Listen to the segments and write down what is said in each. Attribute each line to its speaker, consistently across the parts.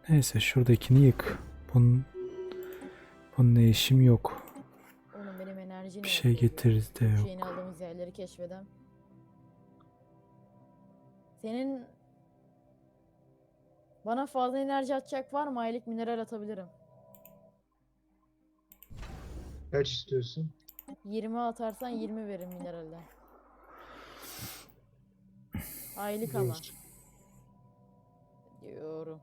Speaker 1: Neyse şuradakini yık. Bununla işim yok.
Speaker 2: Oğlum benim enerji
Speaker 1: Bir
Speaker 2: ne
Speaker 1: şey
Speaker 2: yapıyor?
Speaker 1: getiririz de
Speaker 2: Şu yeni
Speaker 1: yok.
Speaker 2: aldığımız yerleri keşfedem. Senin bana fazla enerji atacak var mı? Aylık mineral atabilirim.
Speaker 3: Kaç istiyorsun?
Speaker 2: 20 atarsan 20 verim mineralden. Aylık ama.
Speaker 3: Dur.
Speaker 2: Diyorum.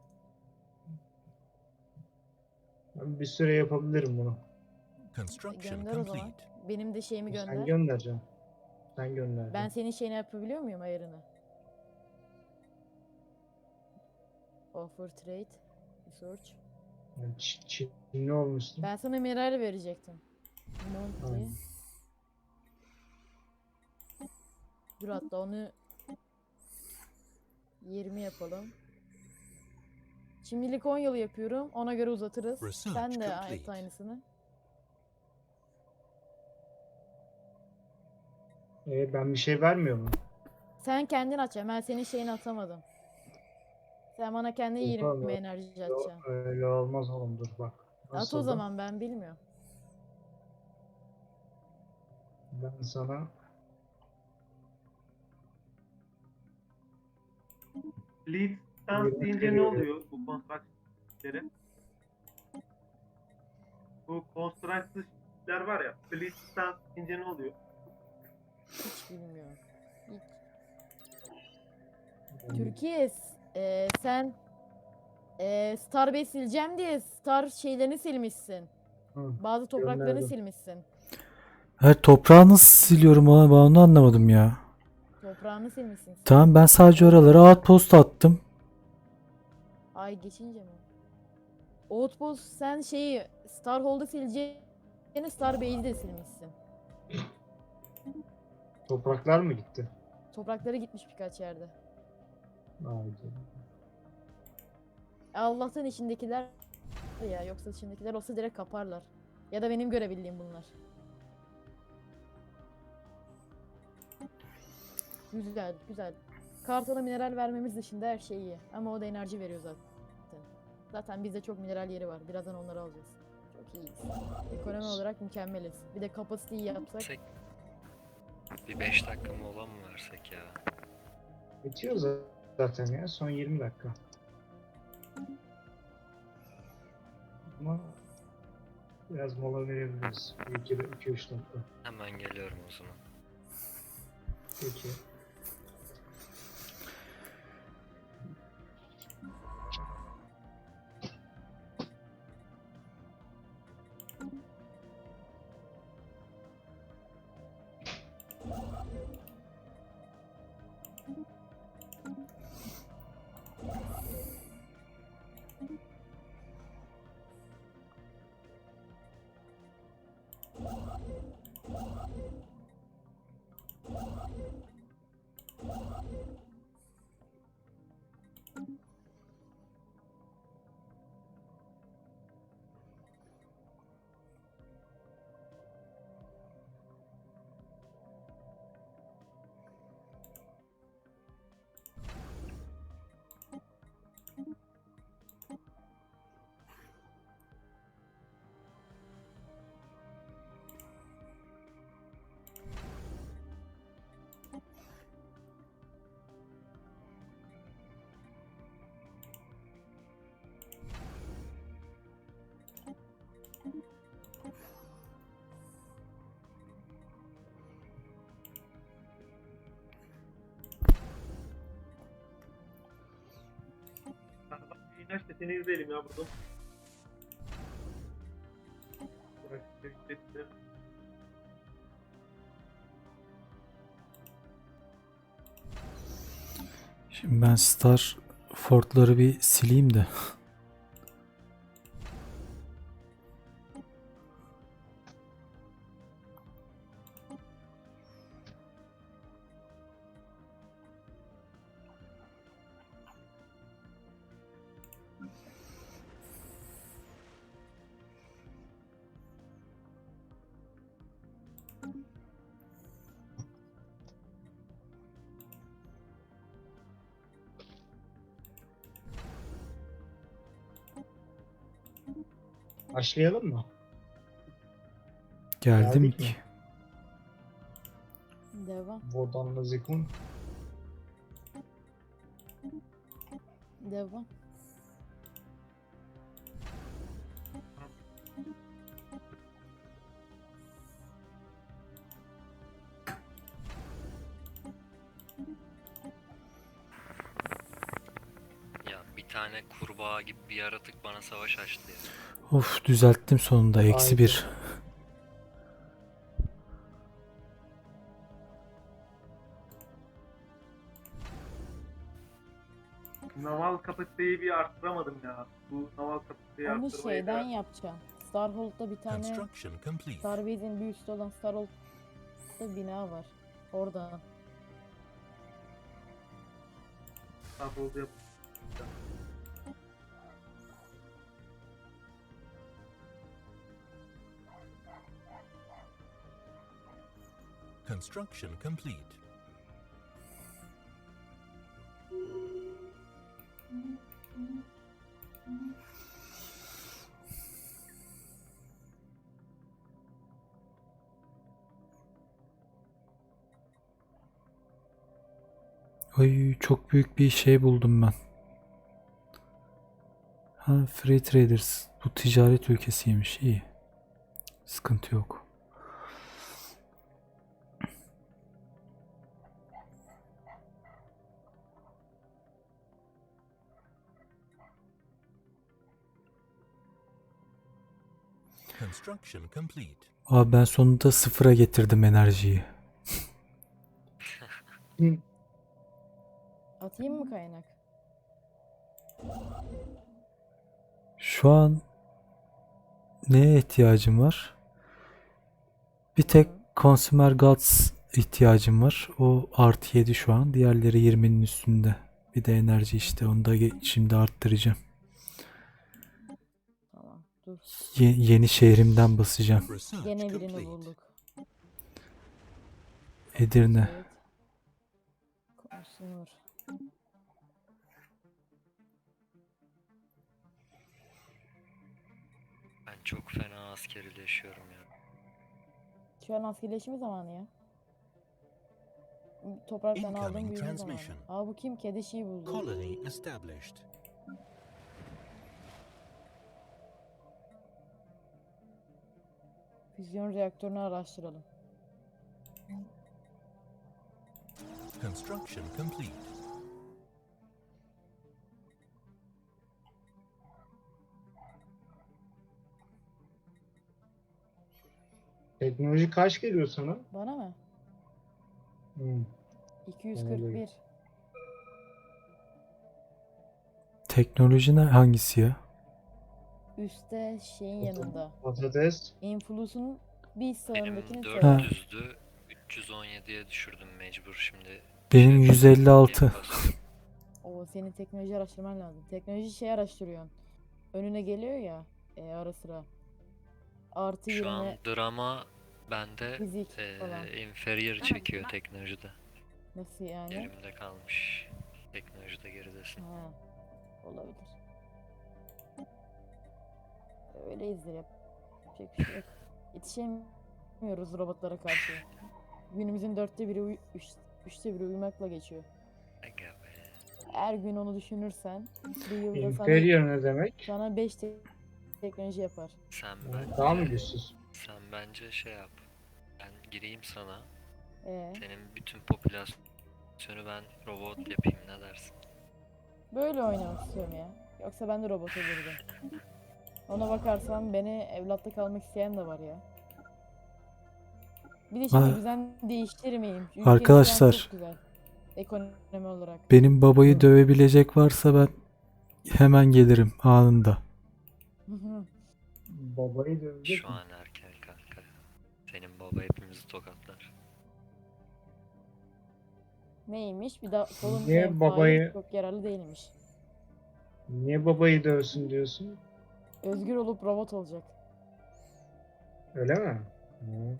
Speaker 3: Ben bir süre yapabilirim bunu.
Speaker 4: Construction
Speaker 2: Gönder o zaman.
Speaker 4: complete.
Speaker 2: Benim de şeyimi
Speaker 3: Sen
Speaker 2: gönder.
Speaker 3: göndereceksin. Sen
Speaker 2: Ben
Speaker 3: göndereceksin.
Speaker 2: senin şeyini yapabiliyor muyum ayarını? Offer trade. Research.
Speaker 3: Yani Çinli olmuşsun.
Speaker 2: Ben sana mineral verecektim. Monthly.
Speaker 3: Aynen.
Speaker 2: Dur hatta onu 20 yapalım. Şimdilik 10 yıl yapıyorum. Ona göre uzatırız.
Speaker 4: Research
Speaker 2: Sen de
Speaker 4: complete.
Speaker 2: yap aynısını.
Speaker 3: Ben bir şey vermiyor mu?
Speaker 2: Sen kendin atacaksın. Ben senin şeyini atamadım. Sen bana kendi
Speaker 3: Yok
Speaker 2: 20
Speaker 3: oğlum,
Speaker 2: enerji atacaksın.
Speaker 3: öyle olmaz oğlum, dur bak.
Speaker 2: At o
Speaker 3: Nasıl da
Speaker 2: zaman, ben bilmiyorum.
Speaker 3: ben sana
Speaker 5: Lead stance
Speaker 3: 20
Speaker 5: deyince ne
Speaker 3: veriyorum.
Speaker 5: oluyor bu construction'leri? Bu construction'ler var ya, lead stance deyince ne oluyor?
Speaker 2: Hiç bilmiyorum. Hiç.
Speaker 3: Yani
Speaker 2: Türkiye sen Starbase sileceğim diye Star şeylerini silmişsin.
Speaker 3: Hı,
Speaker 2: Bazı topraklarını
Speaker 3: gönderdim.
Speaker 2: silmişsin.
Speaker 1: Evet, toprağı nasıl siliyorum ama ben onu anlamadım ya.
Speaker 2: Toprağını silmişsin sen.
Speaker 1: Tamam, ben sadece oralara outpost attım.
Speaker 2: Ay geçince mi? Outpost sen şeyi Starhold'u sileceğini Starbase'i de silmişsin.
Speaker 3: Topraklar mı gitti?
Speaker 2: Toprakları gitmiş birkaç yerde.
Speaker 3: Haydi.
Speaker 2: Allah'tan içindekiler ya, yoksa içindekiler olsa direkt kaparlar. Ya da benim görebildiğim bunlar. Güzel, güzel. Kartal'a mineral vermemiz dışında her şey iyi. Ama o da enerji veriyor zaten. Zaten bizde çok mineral yeri var. Birazdan onları alacağız. Çok iyiyiz. Ekonomi olarak mükemmeliz. Bir de kapasiteyi yapsak.
Speaker 6: Bir 5 dakika mola mı versek ya?
Speaker 3: Bitiyor zaten ya, son 20 dakika. Ama biraz mola verebiliriz. 2-3 dakika.
Speaker 6: Hemen geliyorum o zaman.
Speaker 3: Peki.
Speaker 5: İnaç da seni izleyelim ya burada.
Speaker 1: Şimdi ben Star Fort'ları bir sileyim de.
Speaker 3: Başlayalım mı?
Speaker 1: Geldim
Speaker 3: Geldik
Speaker 1: ki.
Speaker 3: mi?
Speaker 2: Devam.
Speaker 3: Vodanla Zikun.
Speaker 2: Devam.
Speaker 6: Ya bir tane kurbağa gibi bir yaratık bana savaş açtı ya.
Speaker 1: Of, düzelttim sonunda. Eksi
Speaker 3: Haydi.
Speaker 1: 1.
Speaker 5: Naval kapasiteyi bir arttıramadım ya. Bu naval kapasiteyi
Speaker 2: Onu
Speaker 5: arttırmayı
Speaker 2: şeyden
Speaker 5: da
Speaker 2: yapacağım. Starhold'da bir tane
Speaker 4: Construction complete.
Speaker 2: Starbase'in bir üstü olan Starhold'da bina var. Orada.
Speaker 5: tabloda yap.
Speaker 4: Construction complete.
Speaker 1: Ay, çok büyük bir şey buldum ben. Ha, Free Traders. Bu ticaret ülkesiymiş. İyi. Sıkıntı yok.
Speaker 4: Construction complete.
Speaker 1: Abi ben sonunda sıfıra getirdim enerjiyi.
Speaker 2: Atayım mı kaynak?
Speaker 1: Şu an neye ihtiyacım var? Bir tek Consumer Goods ihtiyacım var. O artı 7 şu an. Diğerleri 20'nin üstünde. Bir de enerji işte. Onu da şimdi arttıracağım.
Speaker 2: Tamam. Dur.
Speaker 1: Yeni şehrimden basacağım.
Speaker 4: Research
Speaker 2: Gene birini
Speaker 4: complete.
Speaker 2: bulduk.
Speaker 1: Edirne.
Speaker 2: Evet. Konuşulur.
Speaker 6: Ben çok fena askerileşiyorum ya.
Speaker 2: Şu an askerleşme zamanı ya. Topraktan aldığım
Speaker 4: Incoming
Speaker 2: büyüme zamanı.
Speaker 4: transmission.
Speaker 2: Aa, bu kim? Kedi şeyi buldu.
Speaker 4: Colony established.
Speaker 2: Füzyon reaktörünü araştıralım.
Speaker 4: Construction complete.
Speaker 3: Teknoloji kaç geliyor sana?
Speaker 2: Bana mı?
Speaker 3: Hmm.
Speaker 2: 241.
Speaker 1: Teknoloji hangisi ya?
Speaker 2: Üstte şeyin yanında.
Speaker 3: Patates.
Speaker 2: Influse'un bir
Speaker 6: Benim
Speaker 2: sağındakini söyle.
Speaker 6: 400'dü. 317'ye düşürdüm mecbur şimdi.
Speaker 1: Benim
Speaker 6: Şey,
Speaker 1: 156.
Speaker 6: yeni basıyorum.
Speaker 2: O senin teknoloji araştırman lazım. Teknoloji şey araştırıyorsun. Önüne geliyor ya ara sıra. Artı
Speaker 6: Şu
Speaker 2: 20
Speaker 6: an drama bende
Speaker 2: fizik falan.
Speaker 6: inferior çekiyor teknolojide.
Speaker 2: Nasıl yani?
Speaker 6: Yerimde kalmış. Teknolojide geridesin.
Speaker 2: Ha, olabilir. Öyleyizdir, yapacak bir şey yok. Yetişemiyoruz robotlara karşı. Günümüzün 1/4 3'te 1 uyumakla geçiyor.
Speaker 6: Aga be.
Speaker 2: Her gün onu düşünürsen bir yılda
Speaker 3: Inferior ne demek?
Speaker 2: sana 5 teknoloji yapar.
Speaker 6: Sen
Speaker 3: Daha mı
Speaker 6: bence,
Speaker 3: güçsüz?
Speaker 6: sen bence şey yap. Ben gireyim sana.
Speaker 2: Ee,
Speaker 6: Senin bütün popülasyonu ben robot yapayım, ne dersin?
Speaker 2: böyle oynamak istiyorum ya. Yoksa ben de robot olurdum. Ona bakarsan beni evlatta kalmak isteyen de var ya. Bir de şimdi
Speaker 1: Ha.
Speaker 2: düzen değiştirmeyeyim. Ülkemiz şu an
Speaker 1: Arkadaşlar.
Speaker 2: çok güzel. Ekonomi olarak.
Speaker 1: Benim babayı dövebilecek varsa ben hemen gelirim anında.
Speaker 3: Babayı dövecek
Speaker 6: Şu
Speaker 3: mi?
Speaker 6: an erken kanka. Senin baba hepimizi tokatlar.
Speaker 2: Neymiş? Bir daha solun
Speaker 3: Niye
Speaker 2: menfaati
Speaker 3: babayı-
Speaker 2: çok yararlı değilmiş.
Speaker 3: Niye babayı dövsün diyorsun?
Speaker 2: Özgür olup robot olacak.
Speaker 3: Öyle mi? Hı.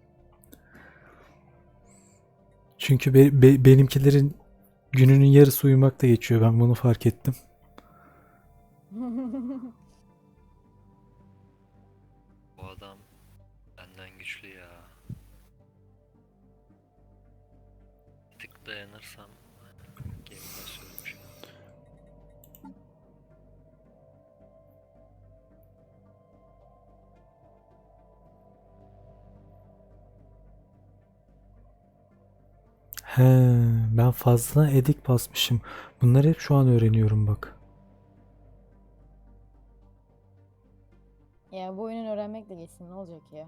Speaker 1: Çünkü benimkilerin gününün yarısı uyumakta geçiyor. Ben bunu fark ettim.
Speaker 6: Bu adam benden güçlü ya. Bir tık dayanırsam gemide sürmüş.
Speaker 1: He, ben fazla edik basmışım. Bunları hep şu an öğreniyorum bak.
Speaker 2: Ya bu oyunun öğrenmekle geçsin, ne olacak ya?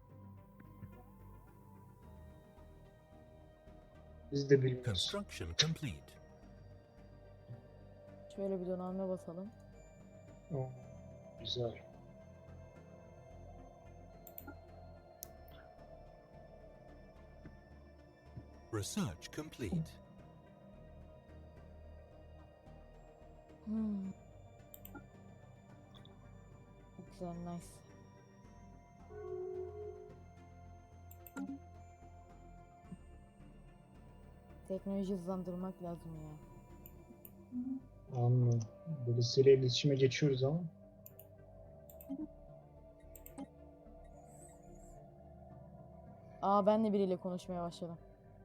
Speaker 3: Biz de bilmiyoruz.
Speaker 4: Construction complete.
Speaker 2: Şöyle bir donanma basalım.
Speaker 3: Oo, güzel.
Speaker 4: Research complete.
Speaker 2: Hmm. Güzel, nice. Teknoloji hızlandırmak lazım ya.
Speaker 3: Anladım. Birisiyle iletişime geçiyoruz ama.
Speaker 2: Aa, ben de biriyle konuşmaya başladım.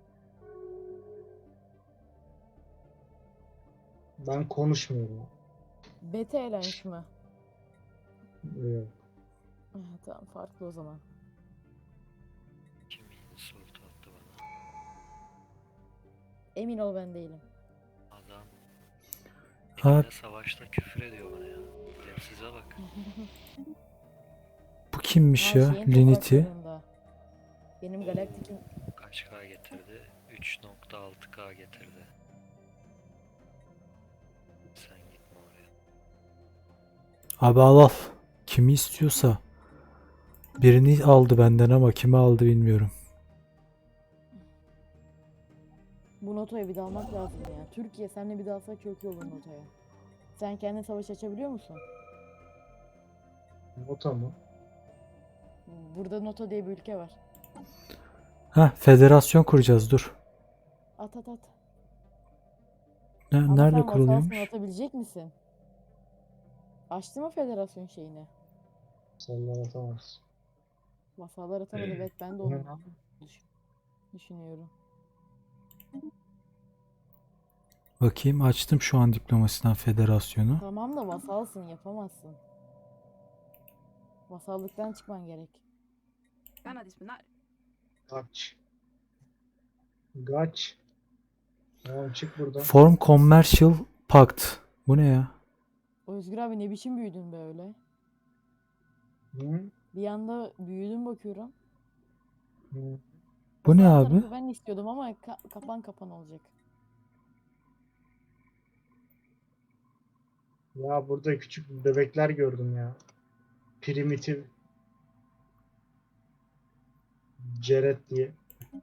Speaker 3: Ben konuşmuyorum.
Speaker 2: Beta Alliance mı?
Speaker 3: Yok.
Speaker 2: Tamam, farklı o zaman.
Speaker 6: Kim insult attı bana?
Speaker 2: Emin ol, ben değilim.
Speaker 6: Adam
Speaker 1: Ha,
Speaker 6: elinde savaşta küfür ediyor bana ya. Size bak.
Speaker 1: bu kimmiş
Speaker 2: Aa,
Speaker 1: ya?
Speaker 2: şeyin
Speaker 1: Linity.
Speaker 2: topraklarında. Benim galaktikim
Speaker 6: Kaç K getirdi? 3.6K getirdi. Sen gitme oraya.
Speaker 1: Abi al al. Kimi istiyorsa. Birini aldı benden ama kimi aldı bilmiyorum.
Speaker 2: bu notaya bir dalmak lazım ya. Türkiye seninle bir dalsak çok iyi olur notaya. Sen kendin savaş açabiliyor musun?
Speaker 3: Nota mı?
Speaker 2: Burada Nota diye bir ülke var.
Speaker 1: Ha, federasyon kuracağız dur.
Speaker 2: At at at.
Speaker 1: Ne,
Speaker 2: Ama
Speaker 1: nerede
Speaker 2: sen vasalsın,
Speaker 1: kuruluyormuş?
Speaker 2: atabilecek misin? Açtı mı federasyon şeyini?
Speaker 3: Sallar atamaz.
Speaker 2: Vasallar atamadı, evet, ben de
Speaker 3: Bu ne
Speaker 2: onu
Speaker 3: lan?
Speaker 2: düşünüyorum.
Speaker 1: Bakayım, açtım şu an diplomasiden federasyonu.
Speaker 2: Tamam da vasalsın, yapamazsın. Vasallıktan çıkman gerek.
Speaker 7: Gana disciplinar.
Speaker 3: Kaç. Kaç. Tamam çık buradan.
Speaker 1: Form Commercial Pact. Bu ne ya?
Speaker 2: Özgür abi, ne biçim büyüdün böyle?
Speaker 3: Hı?
Speaker 2: Bir anda büyüdün bakıyorum.
Speaker 3: Hı.
Speaker 1: Bu ne
Speaker 2: Vasal
Speaker 1: abi?
Speaker 2: tarafı ben istiyordum ama kapan olacak.
Speaker 3: Ya burada küçük bebekler gördüm ya. Primitif Ceret diye.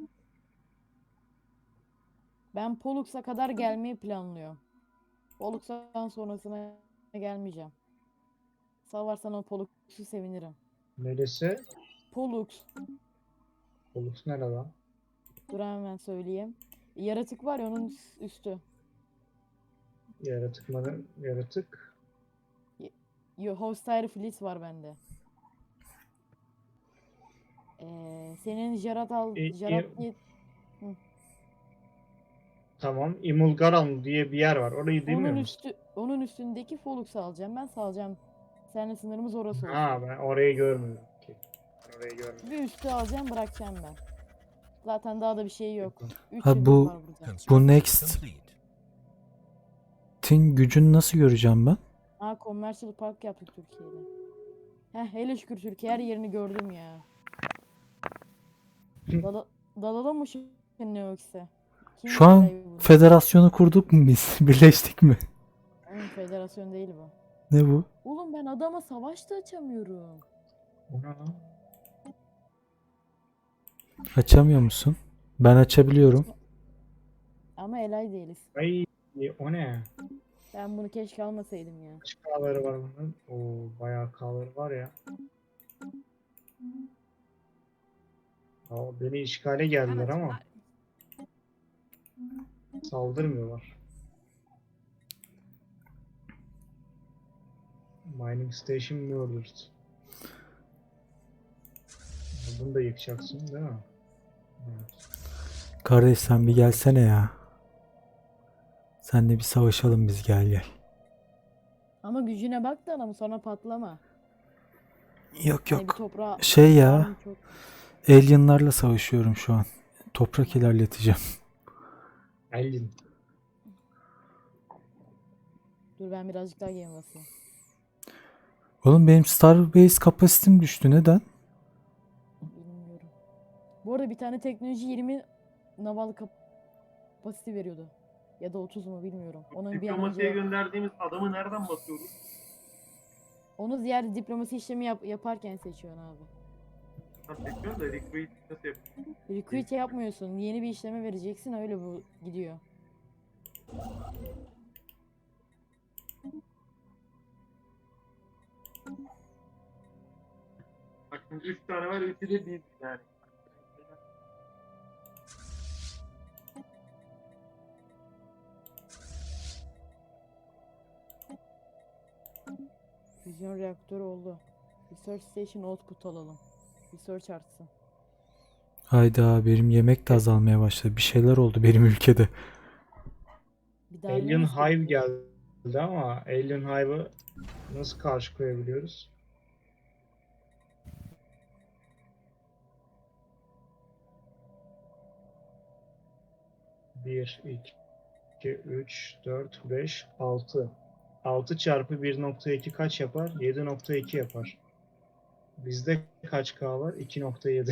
Speaker 2: Ben Pollux'a kadar gelmeyi planlıyorum. Pollux'tan sonrasına gelmeyeceğim. Salvarsan o Pollux'u sevinirim.
Speaker 3: Neresi?
Speaker 2: Pollux.
Speaker 3: Olus nere lan?
Speaker 2: Dur hemen söyleyeyim. Yaratık var ya, onun üstü.
Speaker 3: Yaratık mı? Yaratık.
Speaker 2: Hostile Fleet var bende. Senin
Speaker 3: İ-
Speaker 2: Jarat
Speaker 3: i-
Speaker 2: diye
Speaker 3: Tamam. Imulgaran diye bir yer var. Orayı demiyor musun?
Speaker 2: onun üstündeki Pollux'u alacağım. Ben salacağım. Seninle sınırımız orası olsun.
Speaker 3: Ha, ben orayı görmüyorum. Okey. Ben orayı görmüyorum.
Speaker 2: Bir üstü alacağım, bırakacağım ben. Zaten daha da bir şey yok. 3
Speaker 1: Ha,
Speaker 2: yıldız
Speaker 1: bu-
Speaker 2: var burada.
Speaker 4: Construction
Speaker 1: next.
Speaker 4: complete.
Speaker 1: Tin gücünü nasıl göreceğim ben?
Speaker 2: Commercial Park yaptık Türkiye'de. Hele şükür Türkiye her yerini gördüm ya. Dalalım mı şimdi Neox'e? Kim
Speaker 1: Şu an
Speaker 2: belayı buldu?
Speaker 1: federasyonu kurduk mu biz? Birleştik mi?
Speaker 2: Federasyon değil bu.
Speaker 1: Ne bu?
Speaker 2: Oğlum, ben adama savaş da açamıyorum.
Speaker 3: O ne lan?
Speaker 1: Açamıyor musun? Ben açabiliyorum.
Speaker 2: Ama elay değiliz.
Speaker 3: Ay, o ne?
Speaker 2: Ben bunu keşke almasaydım ya.
Speaker 3: Kaç K'ları var bunun? Oo, bayağı K'ları var ya. Aa, beni işgale
Speaker 7: Gana
Speaker 3: geldiler ama
Speaker 7: disciplinar.
Speaker 3: saldırmıyorlar. Mining Station Murdered. Bunu da yıkacaksın değil mi? Evet.
Speaker 1: Kardeş sen bir gelsene ya. Senle bir savaşalım biz, gel gel.
Speaker 2: Ama gücüne bak da ama sonra patlama.
Speaker 1: Yok
Speaker 2: Hani bir
Speaker 1: yok.
Speaker 2: toprağa
Speaker 1: Şey ya,
Speaker 2: var mı çok.
Speaker 1: alienlarla savaşıyorum şu an. Toprak ilerleteceğim.
Speaker 3: Elin.
Speaker 2: Dur ben birazcık daha game basayım.
Speaker 1: Oğlum benim Starbase kapasitem düştü, neden?
Speaker 2: Bilmiyorum. Bu arada bir tane teknoloji 20 naval kapasite veriyordu. Ya da 30 mu bilmiyorum. Onun bir an
Speaker 5: Diplomasiye
Speaker 2: önce
Speaker 5: gönderdiğimiz adamı nereden basıyoruz?
Speaker 2: onu ziyade diplomasi işlemi yaparken seçiyorsun abi.
Speaker 5: Ben seçiyorum da recruit nasıl yapıyoruz?
Speaker 2: Recruit yapmıyorsun. Yeni bir işleme vereceksin öyle bu gidiyor.
Speaker 5: Bak şimdi 3 tane var, 3'ü de biz yani.
Speaker 2: Füzyon reaktörü oldu. Research Station output alalım. Research artsın.
Speaker 1: Hayda, benim yemek de azalmaya başladı. Bir şeyler oldu benim ülkede.
Speaker 2: Bir daha
Speaker 3: Alien
Speaker 2: ne
Speaker 3: Hive
Speaker 2: istedim?
Speaker 3: geldi ama Alien Hive'ı nasıl karşı koyabiliyoruz? Bir, iki, üç, dört, beş, altı. 6 çarpı 1.2 kaç yapar? 7.2 yapar. Bizde kaç K var? 2.7.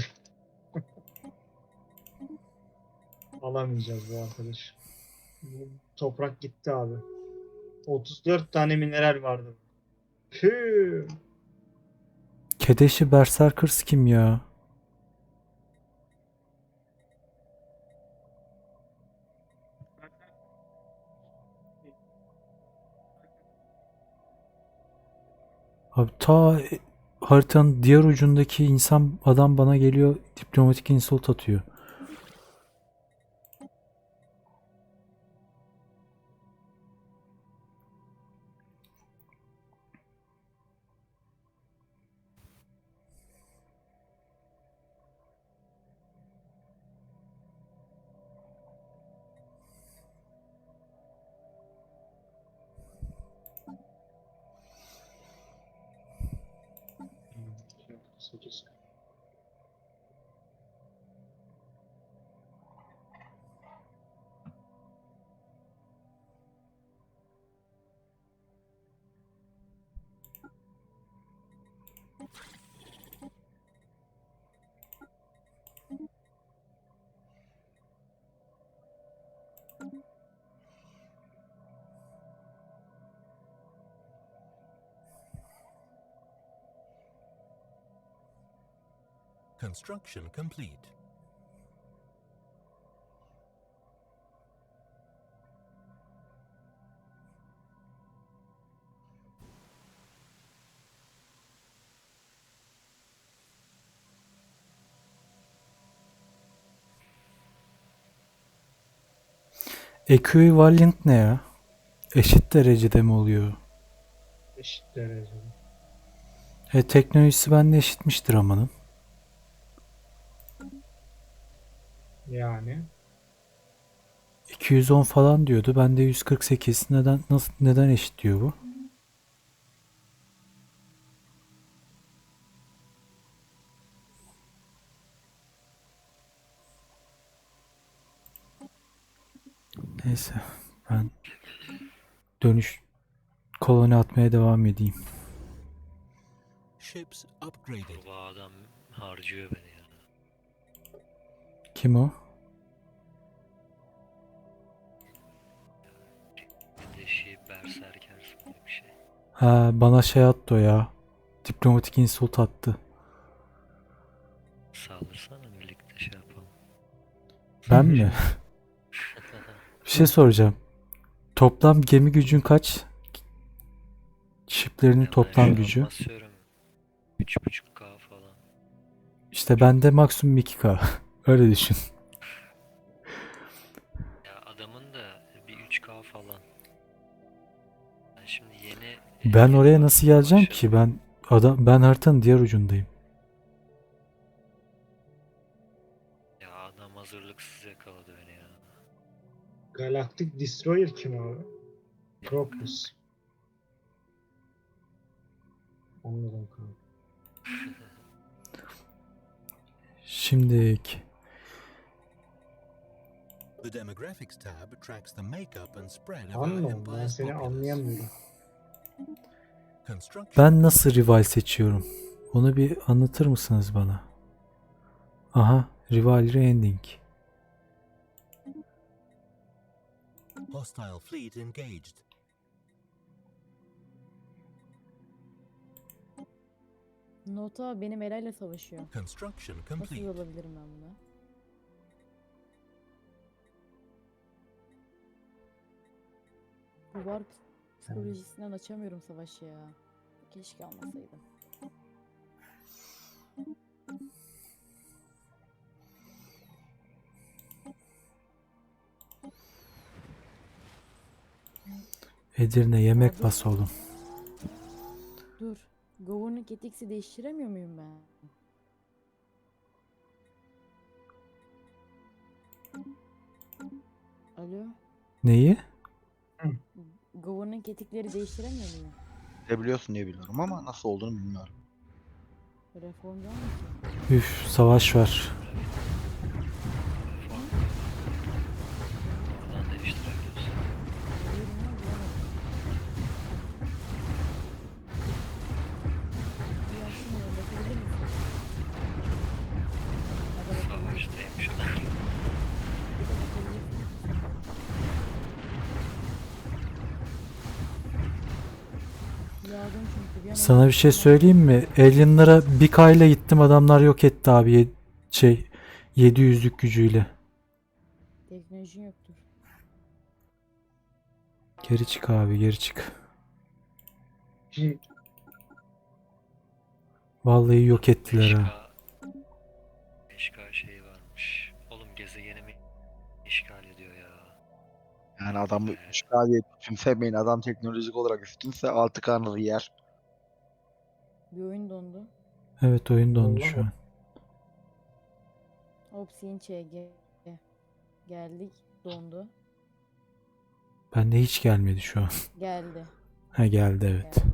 Speaker 3: Alamayacağız bu arkadaş. Bu toprak gitti abi. 34 tane mineral vardı. Püh.
Speaker 1: Kedeşi Berserkers kim ya? Abi ta haritanın diğer ucundaki insan adam bana geliyor, diplomatik insult atıyor.
Speaker 3: Sekiz.
Speaker 4: Construction complete.
Speaker 1: Equivalent ne ya? Eşit derecede mi oluyor?
Speaker 3: Eşit derecede.
Speaker 1: Teknolojisi bende eşitmiştir amanın.
Speaker 3: Yani
Speaker 1: 210 falan diyordu. Bende 148. Neden eşit diyor bu? Neyse, ben dönüş koloni atmaya devam edeyim.
Speaker 4: Ships upgraded.
Speaker 6: Bu adam harcıyor beni ya.
Speaker 1: Kim o?
Speaker 6: Kedeşi berserker gibi bir şey.
Speaker 1: Ha, bana şey attı o ya. Diplomatik insult attı.
Speaker 6: Saldırsana birlikte şey yapalım.
Speaker 1: Ben mi? Bir şey soracağım. Toplam gemi gücün kaç? Shiplerinin
Speaker 6: Ya ben
Speaker 1: toplam
Speaker 6: şu an
Speaker 1: gücü.
Speaker 6: basıyorum. 3.5K falan.
Speaker 1: İşte bende maksimum 2K. Öyle düşün.
Speaker 6: Ya adamın da bir 3K falan. Ben şimdi yeni
Speaker 1: Ben oraya
Speaker 6: firma
Speaker 1: nasıl geleceğim
Speaker 6: başladım.
Speaker 1: ki? Ben haritanın diğer ucundayım.
Speaker 3: Galactic Destroyer kim abi? Crocus. Anladım kanka.
Speaker 1: Şimdilik.
Speaker 4: The demographics tab tracks the makeup and spread of our
Speaker 3: Anladım. Ben
Speaker 4: empire's
Speaker 3: seni
Speaker 4: populace.
Speaker 3: anlayamıyorum.
Speaker 4: Construction
Speaker 1: Ben nasıl rival seçiyorum? Onu bir anlatır mısınız bana? Aha, rivalry ending.
Speaker 4: hostile fleet engaged.
Speaker 2: Nota benim Eray'la savaşıyor.
Speaker 4: Construction
Speaker 2: Nasıl
Speaker 4: complete.
Speaker 2: yorulabilirim ben buna? Bu var psikolojisinden açamıyorum savaşı ya. Keşke almasaydım.
Speaker 1: Edirne yemek
Speaker 2: Abi.
Speaker 1: bas oğlum.
Speaker 2: Dur. Governing Ethics'i değiştiremiyor muyum ben? Alo?
Speaker 1: Neyi?
Speaker 2: Governing Ethic'leri değiştiremiyor muyum?
Speaker 8: Biliyorsun diye biliyorum ama nasıl olduğunu bilmiyorum.
Speaker 2: Reformdan mı ki?
Speaker 1: Üf, savaş var.
Speaker 6: Buradan değiştirebiliyorsun.
Speaker 2: Hayır mı? Bilemedim. Bir yapsın ya, bakabilir misin? Hadi bakalım.
Speaker 6: Savaştayım şu an.
Speaker 2: Bir de bakabilirsin. Yardım çünkü bir an
Speaker 1: Sana bir şey söyleyeyim mi? Alien'lara bir kayla gittim, adamlar yok etti abi. 700'lük gücüyle.
Speaker 2: Teknolojin yoktur.
Speaker 1: Geri çık abi, geri çık.
Speaker 3: Şimdi
Speaker 1: Vallahi yok ettiler ha.
Speaker 6: 5K şeyi varmış. Oğlum gezegenimi işgal ediyor ya.
Speaker 8: Yani adamı işgal diye küçümsemeyin. Adam teknolojik olarak üstünse altı kanını yer.
Speaker 2: Bir oyun dondu.
Speaker 1: Evet, oyun dondu
Speaker 3: Vallahi
Speaker 1: şu an.
Speaker 2: Obsidian ÇG. Geldik. Dondu.
Speaker 1: Bende hiç gelmedi şu an.
Speaker 2: Geldi.
Speaker 1: Ha, geldi evet.
Speaker 2: Geldi.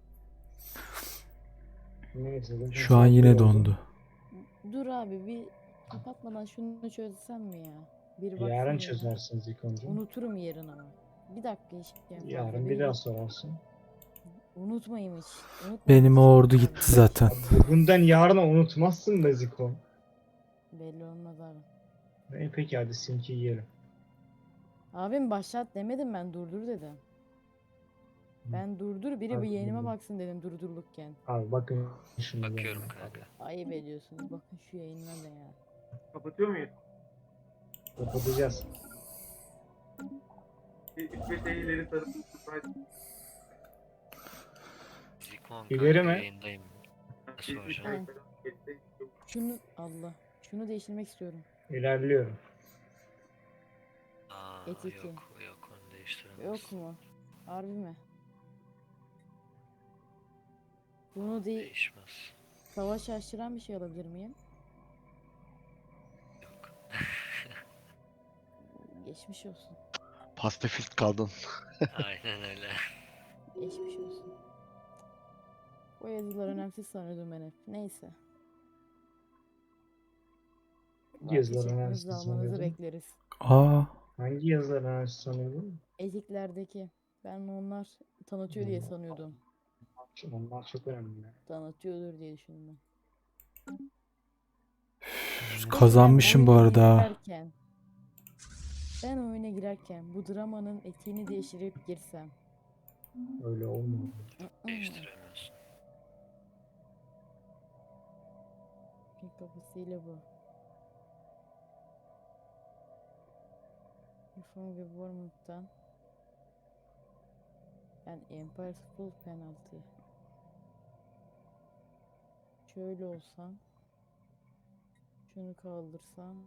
Speaker 3: neyse. zaten
Speaker 1: Şu an
Speaker 3: saat
Speaker 1: yine
Speaker 3: bir oldu.
Speaker 1: dondu.
Speaker 2: Dur abi bir kapatmadan şunu çözsem mi ya? Bir baksın
Speaker 3: Yarın
Speaker 2: yerine.
Speaker 3: çözersiniz ilk önce.
Speaker 2: Unuturum yarın ama. Bir dakika hiç yani
Speaker 3: Yarın
Speaker 2: fazla
Speaker 3: bir
Speaker 2: beni
Speaker 3: daha sorarsın.
Speaker 2: unutmayayım hiç. Unutmayayım
Speaker 1: Benim
Speaker 2: hiç.
Speaker 1: o ordu
Speaker 2: Abi,
Speaker 1: gitti zaten.
Speaker 3: Bugünden yarına unutmazsın be Ziko.
Speaker 2: belli olmaz abi.
Speaker 3: Peki hadi simki yiyelim.
Speaker 2: Abim başlat demedim ben durdur dedim. Ben durdur biri bir
Speaker 3: Abi,
Speaker 2: yeğenime
Speaker 3: durdur.
Speaker 2: baksın dedim durdurlukken.
Speaker 3: Abi bakın şimdi.
Speaker 6: Bakıyorum
Speaker 3: yani.
Speaker 6: kanka.
Speaker 2: Ayıp ediyorsunuz bakın şu yayınına da ya.
Speaker 5: Kapatıyor muyuz?
Speaker 3: Kapatacağız.
Speaker 5: Bir 3-5 ay ileri sarıp surprise.
Speaker 6: Zikon
Speaker 3: İleri
Speaker 6: kanka,
Speaker 3: mi?
Speaker 6: yayındayım. Nasıl
Speaker 5: Bir 3
Speaker 6: hocam?
Speaker 5: ay falan geçti.
Speaker 2: Şunu Allah. Şunu değiştirmek istiyorum.
Speaker 3: İlerliyorum.
Speaker 6: Aa,
Speaker 2: Etiki.
Speaker 6: yok onu değiştiremez.
Speaker 2: Yok mu? Harbi mi? Bunu
Speaker 6: Değişmez.
Speaker 2: savaş açtıran bir şey alabilir miyim?
Speaker 6: Yok.
Speaker 2: Geçmiş olsun.
Speaker 8: Pacifist kaldın.
Speaker 6: Aynen öyle.
Speaker 2: Geçmiş olsun. O yazılar önemsiz sanıyordum ben hep. Neyse.
Speaker 3: Yazılar
Speaker 2: Vazgeçmenizi
Speaker 3: önemsiz
Speaker 2: almanızı
Speaker 3: sanıyordum.
Speaker 2: bekleriz.
Speaker 1: Aa,
Speaker 3: Hangi yazılar önemsiz sanıyordun?
Speaker 2: Etiklerdeki. Ben onlar tanıtıyor diye sanıyordum.
Speaker 3: Onlar çok önemli.
Speaker 2: Tanıtıyordur diye düşündüm ben.
Speaker 1: kazanmışım bu
Speaker 2: oyuna
Speaker 1: arada ha.
Speaker 2: girerken- Ben oyuna girerken bu dramanın etiğini değiştirip girsem.
Speaker 3: Öyle olmuyor.
Speaker 6: Değiştiremiyorsun.
Speaker 2: Bir kapısıyla bu. Reform Government'tan ben Empire's Full Penalty. Şöyle olsam şunu kaldırsam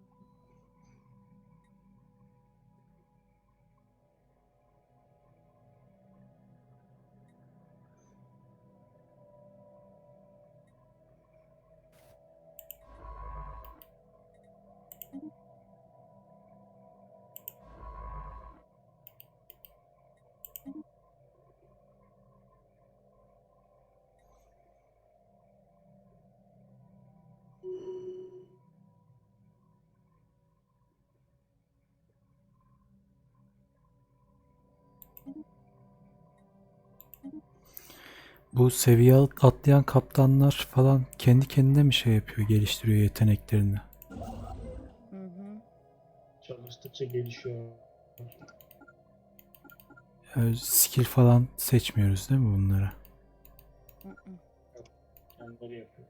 Speaker 1: Bu seviye atlayan kaptanlar falan kendi kendine mi şey yapıyor, geliştiriyor yeteneklerini?
Speaker 2: Hı hı.
Speaker 3: Çalıştıkça gelişiyor.
Speaker 1: Skill falan seçmiyoruz değil mi bunlara?
Speaker 2: Hı hı.
Speaker 3: Kendileri yapıyor.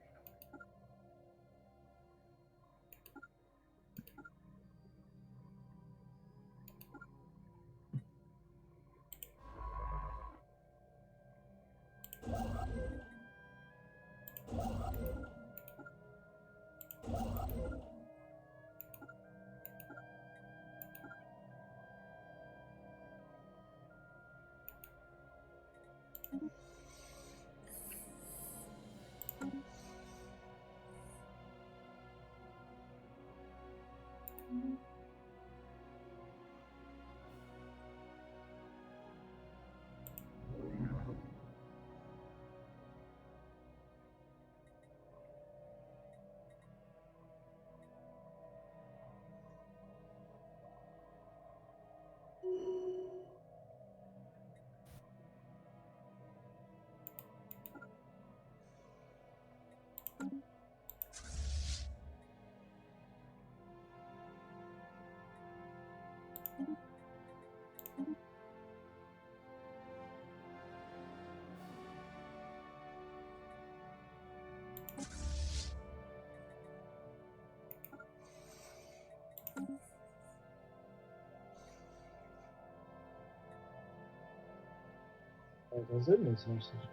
Speaker 3: Evet, hazır mıyız maçlar?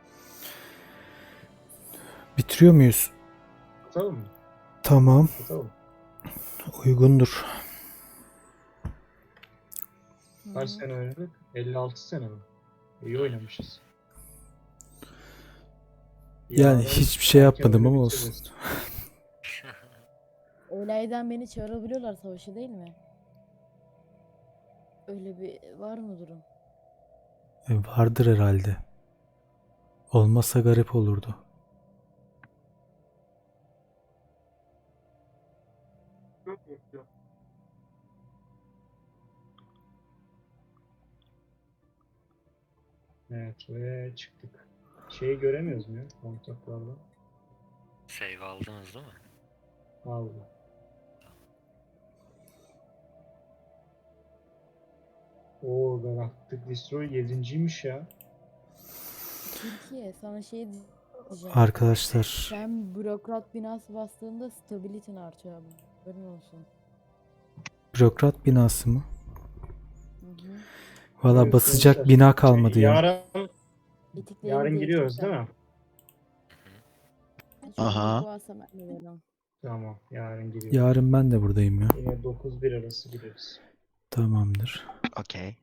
Speaker 1: Bitiriyor muyuz?
Speaker 3: Atalım mı?
Speaker 1: Tamam,
Speaker 3: Atalım.
Speaker 1: uygundur.
Speaker 3: Kaç
Speaker 2: Hı.
Speaker 3: sene oynadık? 56 sene mi? İyi oynamışız.
Speaker 1: Yani
Speaker 3: Yarın
Speaker 1: hiçbir şey
Speaker 3: erken
Speaker 1: yapmadım
Speaker 3: oyunu
Speaker 1: ama olsun.
Speaker 3: bitiririz.
Speaker 2: Olaydan beni çağırabiliyorlar savaşa değil mi? Öyle bir var mı durum?
Speaker 1: Vardır herhalde. Olmasa garip olurdu.
Speaker 5: Çok mutlu.
Speaker 3: Evet ve çıktık. Şeyi göremiyoruz mu ya kontaklarda?
Speaker 6: Save aldınız değil mi?
Speaker 3: Aldı. Oo, Galactic Destroy 7.'ymiş ya.
Speaker 2: Türkiye sana şey diyeceğim.
Speaker 1: Arkadaşlar,
Speaker 2: Sen bürokrat binası bastığında stabilitin artıyor abi. Haberin olsun.
Speaker 1: bürokrat binası mı?
Speaker 2: Hı hı.
Speaker 1: Valla
Speaker 3: Evet,
Speaker 1: basacak
Speaker 3: gençler.
Speaker 1: bina kalmadı ya.
Speaker 3: Yarın
Speaker 2: Etiklerini
Speaker 3: giriyoruz değil
Speaker 2: değiştireceğim.
Speaker 3: mi?
Speaker 2: Hiç uygunluk
Speaker 8: Aha.
Speaker 2: varsa ben de veririm.
Speaker 3: Tamam, yarın giriyoruz.
Speaker 1: Yarın ben de buradayım ya.
Speaker 3: Yine 9-1 arası gireriz.
Speaker 1: Tamamdır.
Speaker 8: Okey.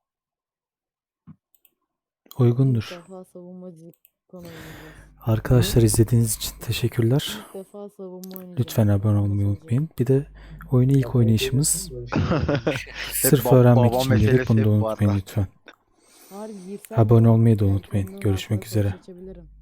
Speaker 2: İlk
Speaker 1: Uygundur.
Speaker 2: defa savunmacı konu oynayacağız.
Speaker 1: Arkadaşlar izlediğiniz için teşekkürler.
Speaker 2: İlk defa savunma oynayacağım.
Speaker 1: Lütfen abone olmayı
Speaker 2: Savunmacı
Speaker 1: unutmayın. Bir de oyuna ilk
Speaker 3: Kafayı
Speaker 1: oynayışımız.
Speaker 3: koyuyorsun, böyle şeyler.
Speaker 1: Sırf
Speaker 8: Hep
Speaker 1: öğrenmek
Speaker 8: baba
Speaker 1: için girdik. Bunu
Speaker 8: meselesi
Speaker 1: da
Speaker 8: hep bu
Speaker 1: unutmayın
Speaker 8: arada.
Speaker 1: lütfen.
Speaker 2: Harbi girsem
Speaker 1: Abone
Speaker 2: de
Speaker 1: olmayı da
Speaker 2: belki
Speaker 1: unutmayın.
Speaker 2: ondan
Speaker 1: Görüşmek
Speaker 2: arkada savaş
Speaker 1: üzere.
Speaker 2: açabilirim.